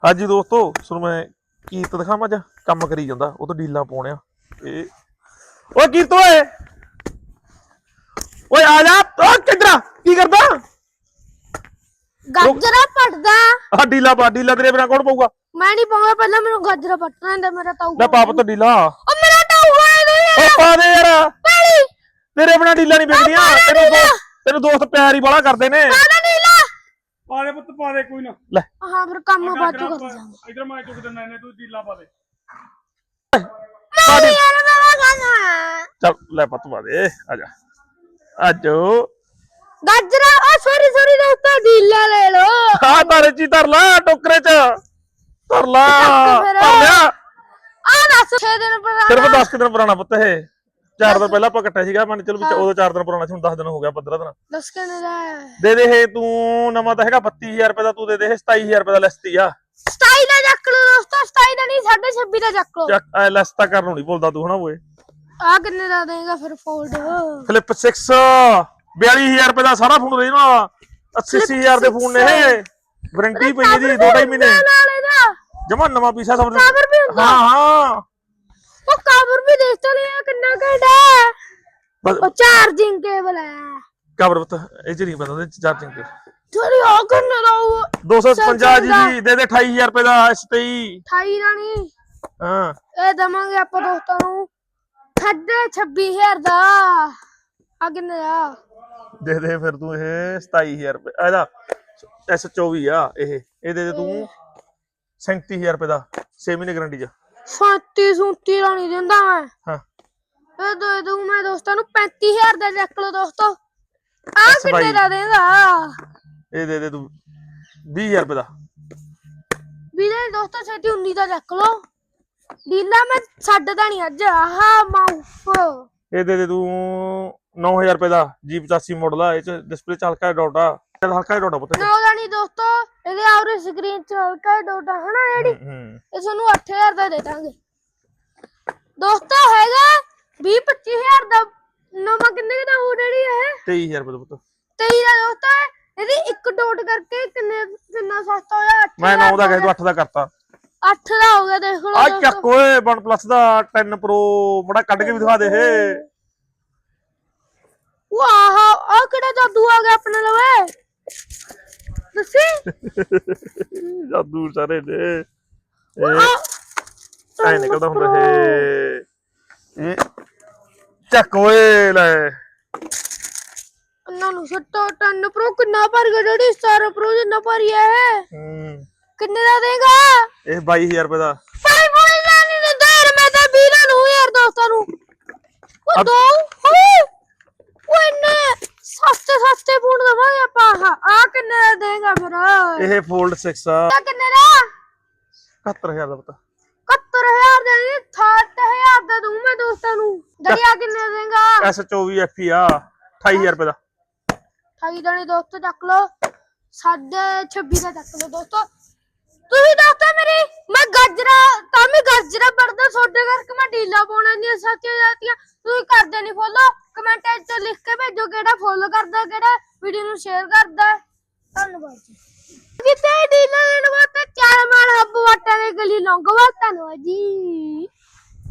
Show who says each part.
Speaker 1: ਹਾਂਜੀ ਦੋਸਤੋ ਤੁਹਾਨੂੰ ਮੈਂ ਕੀਰਤ ਦਿਖਾਵਾਂ ਅੱਜ ਕੰਮ ਕਰੀ ਜਾਂਦਾ ਉਹ ਤੋਂ ਡੀਲਾਂ ਪਾਉਣਿਆ ਇਹ ਓਏ ਕੀਰਤ ਓਏ ਆ ਜਾ ਓ ਕਿੱਧਰ ਕੀ ਕਰਦਾ
Speaker 2: ਗਾਜਰਾ ਪੜਦਾ
Speaker 1: ਆ ਡੀਲਾ ਪਾ ਡੀਲਾ ਤੇਰੇ ਬਿਨਾ ਕੌਣ ਪਾਊਗਾ
Speaker 2: ਮੈਂ ਨਹੀਂ ਪਾਉਂਗਾ ਪਹਿਲਾਂ ਮੈਨੂੰ ਗਾਜਰਾ ਪਟਣਾ ਹੁੰਦਾ ਮੇਰਾ ਤਾਊ
Speaker 1: ਲੈ ਪਾਪ ਤੋਂ ਡੀਲਾ
Speaker 2: ਓ ਮੇਰਾ ਤਾਊ ਹੈ
Speaker 1: ਓ ਪਾ ਦੇ ਯਾਰ
Speaker 2: ਪਾਣੀ
Speaker 1: ਤੇਰੇ ਬਿਨਾ ਡੀਲਾ ਨਹੀਂ ਵਿਕਦੀਆਂ ਤੈਨੂੰ ਦੋਸਤ ਪਿਆਰ ਹੀ ਬਾਲਾ ਕਰਦੇ ਨੇ
Speaker 2: ਪਾਣਾ ਨੀਲਾ
Speaker 3: ਪਾ ਦੇ ਪੁੱਤ ਪਾ ਦੇ ਕੋਈ ਨਾ
Speaker 1: ਲੈ
Speaker 2: ਹਾਂ ਫਿਰ ਕੰਮ ਬਾਜੂ ਕਰ ਜਾਵਾਂਗਾ
Speaker 3: ਇਧਰ ਮੈਂ ਚੁੱਕ ਦਿੰਦਾ ਇਹਨੇ ਤੂੰ ਢੀਲਾ ਪਾ ਦੇ
Speaker 1: ਪਾ ਦੇ
Speaker 2: ਯਾਰ ਮੈਂ ਖਾਣਾ
Speaker 1: ਚੱਲ ਲੈ ਪੱਤ ਪਾ ਦੇ ਆ ਜਾ ਆਜੋ
Speaker 2: ਗਾਜਰਾ ਓ ਸੌਰੀ ਦੋਸਤੋ ਢੀਲਾ ਲੈ ਲੋ
Speaker 1: ਆ ਤਾਰੇ ਚ ਧਰ ਲਾ ਟੋਕਰੇ ਚ ਧਰ ਲਾ
Speaker 2: ਫਿਰ।
Speaker 1: ਧਰ ਲਿਆ
Speaker 2: ਆ ਦੱਸ 6 ਦਿਨ ਪੁਰਾਣਾ
Speaker 1: ਸਿਰਫ 10 ਦਿਨ ਪੁਰਾਣਾ ਪੁੱਤ ਇਹ 4 ਦਿਨ ਪਹਿਲਾਂ ਆਪਾਂ ਕੱਟਿਆ ਸੀਗਾ ਮੰਨ ਚਲੋ ਵੀ ਉਦੋਂ 4 ਦਿਨ ਪੁਰਾਣਾ ਸੀ ਹੁਣ 10 ਦਿਨ ਹੋ ਗਿਆ 15 ਦਿਨ
Speaker 2: ਦੱਸ ਕਿੰਨੇ ਦਾ
Speaker 1: ਦੇ ਦੇ ਇਹ ਤੂੰ ਨਵਾਂ ਤਾਂ ਹੈਗਾ 32000 ਰੁਪਏ ਦਾ ਤੂੰ ਦੇ ਦੇ ਇਹ 27000 ਰੁਪਏ ਦਾ ਲੈਸਤੀ ਆ
Speaker 2: 27 ਦਾ ਚੱਕ ਲੋ ਦੋਸਤੋ 27 ਦਾ ਨਹੀਂ 26.5 ਦਾ ਚੱਕ ਲੋ
Speaker 1: ਚੱਕ ਲੈਸ ਤਾਂ ਕਰਨ ਨੂੰ ਨਹੀਂ ਬੋਲਦਾ ਤੂੰ ਹਨਾ ਓਏ
Speaker 2: ਆ ਕਿੰਨੇ ਦਾ ਦੇਗਾ ਫਿਰ ਫੋਲਡ
Speaker 1: ਫਲਿੱਪ 6 42000 ਰੁਪਏ ਦਾ ਸਾਰਾ ਫੋਨ ਰਹਿਣਾ 80000 ਦੇ ਫੋਨ ਨੇ ਇਹ ਵਾਰੰਟੀ ਪਈ ਇਹਦੀ 2.5 ਮਹੀਨੇ
Speaker 2: ਨਾਲ ਇਹਦਾ
Speaker 1: ਜਮਾ ਨਵਾਂ ਪੀਸਾ ਸਮਝ
Speaker 2: ਕਵਰ ਵੀ ਹੁੰਦਾ
Speaker 1: ਹਾਂ
Speaker 2: ਉਹ ਕਵਰ ਵੀ ਦੇਖ ਤਾਂ ਲਿਆ ਕਿੰਨਾ ਘੈਂਟਾ
Speaker 1: ਬਸ
Speaker 2: ਉਹ ਚਾਰਜਿੰਗ ਕੇਬਲ ਹੈ
Speaker 1: ਕਵਰ ਪੁੱਤ ਇਹ ਚ ਨਹੀਂ ਪਤਾ ਉਹਦੇ ਚਾਰਜਿੰਗ ਤੇ
Speaker 2: ਥੋੜੀ ਆ ਕਿੰਨੇ ਦਾ ਉਹ
Speaker 1: 255 ਜੀ ਦੇ ਦੇ 28000 ਰੁਪਏ ਦਾ S23
Speaker 2: 28 ਦਾ ਨਹੀਂ
Speaker 1: ਹਾਂ
Speaker 2: ਇਹ ਦਵਾਂਗੇ ਆਪਾਂ ਦੋਸਤਾਂ ਨੂੰ 26000 ਦਾ ਆ ਕਿੰਨੇ ਦਾ
Speaker 1: ਦੇ ਦੇ ਫਿਰ ਤੂੰ ਇਹ 27000 ਰੁਪਏ ਇਹਦਾ S24 ਆ ਇਹ ਦੇ ਦੇ ਤੂੰ 37000 ਰੁਪਏ ਦਾ 6 ਮਹੀਨੇ ਗਾਰੰਟੀ ਚ
Speaker 2: 37 ਦਾ ਨਹੀਂ ਦਿੰਦਾ ਮੈਂ
Speaker 1: ਹਾਂ
Speaker 2: ਇਹ ਦੇ ਦੂੰ ਮੈਂ ਦੋਸਤਾਂ ਨੂੰ 35000 ਦਾ ਚੱਕ ਲੋ ਦੋਸਤੋ ਆ ਕਿੰਨੇ ਦਾ ਦੇਗਾ
Speaker 1: ਇਹ ਦੇ ਦੇ ਤੂੰ 20000 ਰੁਪਏ ਦਾ
Speaker 2: ਵੀਰੇ ਦੋਸਤੋ ਛੇਤੀ 19 ਦਾ ਚੱਕ ਲੋ ਡੀਲਾ ਮੈਂ ਛੱਡਦਾ ਨਹੀਂ ਅੱਜ ਆਹਾ ਮਾਊਫ
Speaker 1: ਇਹ ਦੇ ਦੇ ਤੂੰ 9000 ਰੁਪਏ ਦਾ G85 ਮਾਡਲ ਆ ਇਹ ਚ ਡਿਸਪਲੇ ਚ ਹਲਕਾ ਡਾਟਾ ਹਲਕਾ ਡਾਟਾ ਪੁੱਤ
Speaker 2: ਨਾ ਉਹਦਾ ਨਹੀਂ ਦੋਸਤੋ ਇਹਦੇ ਆਉਰੇ ਸਕਰੀਨ ਚ ਹਲਕਾ ਡੋਟਾ ਹਨਾ ਜਿਹੜੀ ਇਹ ਤੁਹਾਨੂੰ 8000 ਦਾ ਦੇ ਦਾਂਗੇ ਦੋਸਤੋ ਹੈਗਾ 20-25000 ਦਾ ਨਵਾਂ ਕਿੰਨੇ ਦਾ ਹੋ ਜਿਹੜੀ ਇਹ
Speaker 1: 23000 ਰੁਪਏ ਦਾ ਪੁੱਤ
Speaker 2: 23 ਦਾ ਦੋਸਤੋ ਇਹਦੀ ਇੱਕ ਡੋਟ ਕਰਕੇ ਕਿੰਨਾ ਸਸਤਾ ਹੋਇਆ 8
Speaker 1: ਮੈਂ 9 ਦਾ ਕਹਿ ਤੂੰ 8 ਦਾ ਕਰਤਾ
Speaker 2: 8 ਦਾ ਹੋ ਗਿਆ ਦੇਖ ਲਓ
Speaker 1: ਆ ਚੱਕ ਓਏ OnePlus ਦਾ 10 Pro ਬੜਾ ਕੱਢ ਕੇ ਵੀ ਦਿਖਾ ਦੇ ਇਹ
Speaker 2: ਵਾਹ ਆ ਕਿਹੜਾ ਜਾਦੂ ਆ ਗਿਆ ਆਪਣੇ ਲਵੇ ਦੱਸੀ
Speaker 1: ਜਾਦੂ ਸਾਰੇ ਨੇ ਇਹ ਐ ਨਿਕਲਦਾ ਹੁੰਦਾ ਇਹ ਚੱਕ ਓਏ ਲੈ
Speaker 2: ਇਹਨਾਂ ਨੂੰ ਸੱਟੋ 10 Pro ਕਿੰਨਾ ਭਰ ਗਿਆ ਜਿਹੜੀ 17 Pro ਜਿੰਨਾ ਭਰੀ ਹੈ ਕਿੰਨੇ ਦਾ ਦੇਗਾ
Speaker 1: ਇਹ 22000 ਰੁਪਏ ਦਾ
Speaker 2: ਭਾਈ ਬੋਲ ਨਹੀਂ ਦਿੰਦਾ ਯਾਰ ਮੈਂ ਤਾਂ 20 ਨੂੰ ਯਾਰ ਦੋਸਤਾਂ ਨੂੰ ਉਹ ਦੋ ਉਹ ਇੰਨੇ ਸਸਤੇ ਫੋਨ ਦਵਾਂਗੇ ਆਪਾਂ ਆ ਕਿੰਨੇ ਦਾ ਦੇਗਾ ਫਿਰ
Speaker 1: ਇਹ Fold 6 ਆ
Speaker 2: ਕਿੰਨੇ ਦਾ
Speaker 1: 71000 ਦਾ ਪਤਾ
Speaker 2: 71000 ਦਾ ਨਹੀਂ 60000 ਦਾ ਦੂੰ ਮੈਂ ਦੋਸਤਾਂ ਨੂੰ ਦਰਿਆ ਕਿੰਨੇ ਦੇਗਾ
Speaker 1: S24 FE ਆ 28000 ਰੁਪਏ ਦਾ
Speaker 2: 28 ਦਾ ਨਹੀਂ ਦੋਸਤੋ ਚੱਕ ਲੋ 26.5 ਦਾ ਚੱਕ ਲੋ ਦੋਸਤੋ ਤੁਸੀਂ ਦੋਸਤੋ ਮੇਰੀ ਮੈਂ ਗਾਜਰਾ ਪੜਦਾ ਛੋਡੇ ਕਰਕੇ ਮੈਂ ਢੀਲਾ ਪਾਉਣਾ ਨਹੀਂ ਸੱਚੇ ਜਾਤੀਆਂ ਤੁਸੀਂ ਕਰਦੇ ਨਹੀਂ ਫੋਲੋ ਕਮੈਂਟ ਵਿੱਚ ਲਿਖ ਕੇ ਭੇਜੋ ਕਿਹੜਾ ਫੋਲੋ ਕਰਦਾ ਕਿਹੜਾ ਵੀਡੀਓ ਨੂੰ ਸ਼ੇਅਰ ਕਰਦਾ ਧੰਨਵਾਦ ਜੀ ਜਿੱਤੇ ਢੀਲਾ ਲੈਣ ਵਾਸਤੇ ਚਾਰ ਮਾਲ ਹੱਬ ਵਾਟਾਂ ਦੇ ਗਲੀ ਲੰਘਵਾ ਧੰਨਵਾਦ ਜੀ।